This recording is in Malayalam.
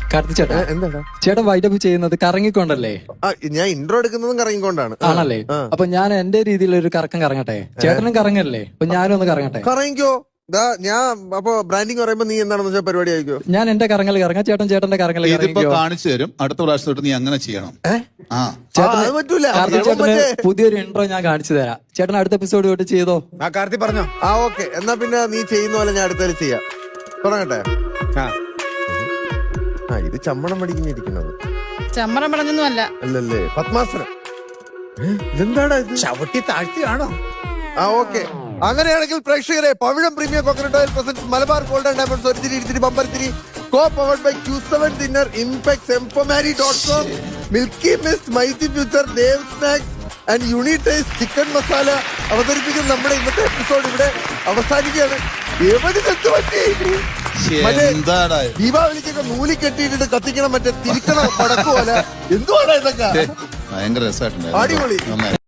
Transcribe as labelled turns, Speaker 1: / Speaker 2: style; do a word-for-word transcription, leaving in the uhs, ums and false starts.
Speaker 1: കാർത്തി ചേട്ടാ
Speaker 2: എന്താടാ
Speaker 1: ചേട്ടൻ വൈൻഡപ്പ് ചെയ്യുന്നത് കറങ്ങിക്കൊണ്ടല്ലേ?
Speaker 2: ഞാൻ ഇൻട്രോ എടുക്കുന്നതും കറങ്ങിക്കൊണ്ടാണ്.
Speaker 1: ആണല്ലേ? അപ്പൊ ഞാൻ എന്റെ രീതിയിൽ ഒരു കറക്കം കറങ്ങട്ടെ. ചേട്ടനും കറങ്ങല്ലേ? അപ്പൊ ഞാനും ഒന്ന് കറങ്ങട്ടെ.
Speaker 2: കറങ്ങിക്കോ. ഞാൻ അപ്പൊ ബ്രാൻഡിങ് പറയുമ്പോ നീ എന്താണെന്ന് വെച്ചാൽ പരിപാടി ആയിക്കോ.
Speaker 1: ഞാൻ എന്റെ കറങ്ങൽ കറങ്ങാം, ചേട്ടൻ ചേട്ടന്റെ കറങ്ങൽ
Speaker 3: ഇതിപ്പോ കാണിച്ചു തരും. അടുത്ത പ്രാവശ്യം തൊട്ട് നീ അങ്ങനെ ചെയ്യണം.
Speaker 2: ആ അത് പറ്റൂല.
Speaker 1: ചേട്ടന് പുതിയൊരു ഇൻട്രോ ഞാൻ കാണിച്ചു തരാം. ചേട്ടൻ അടുത്ത എപ്പിസോഡ് തൊട്ട് ചെയ്തോ.
Speaker 4: ആ കാർത്തി പറഞ്ഞോ.
Speaker 2: ആ ഓക്കെ, എന്നാ പിന്നെ നീ ചെയ്യുന്ന പോലെ ഞാൻ അടുത്തതിൽ ചെയ്യാം. തുടങ്ങട്ടെ. ആ ഇത് ചമ്മണം പഠിക്കുന്നിരിക്കുന്നത്.
Speaker 5: ചമ്മറം പടഞ്ഞൊന്നും അല്ല.
Speaker 2: അല്ലല്ലേ, പത്മാസനം. ഇതെന്താടാ ഇത്?
Speaker 4: ചവിട്ടി താഴ്ത്തിയാണോ?
Speaker 2: ആ ഓക്കെ, അങ്ങനെയാണെങ്കിൽ പ്രേക്ഷകരെ, Pavizham premium coconut oil present Malabar golden diamonds ഒരു തിരി ഇരുത്തിരി ബമ്പർത്തിരി co powered by Q seven dinner impex എംപമാരി ഡോട്ട് കോം മിൽക്കി മിസ്റ്റ് മൈസി future dev snacks and unitize chicken masala അവതരിപ്പിക്കുന്ന നമ്മുടെ ഇന്നത്തെ എപ്പിസോഡ് ഇവിടെ അവസാനിക്കുകയാണ്. എവിടെ ചെത്ത് പറ്റി? മറ്റേ ദീപാവലിക്കൊക്കെ നൂലി കെട്ടിയിട്ടിട്ട് കത്തിക്കണം, മറ്റേ തിരിക്കണം പടക്കുപോലെ. എന്തുവാണ് ഇതൊക്കെ?
Speaker 3: ഭയങ്കര രസമായിട്ടുണ്ട്.
Speaker 2: അടിപൊളി.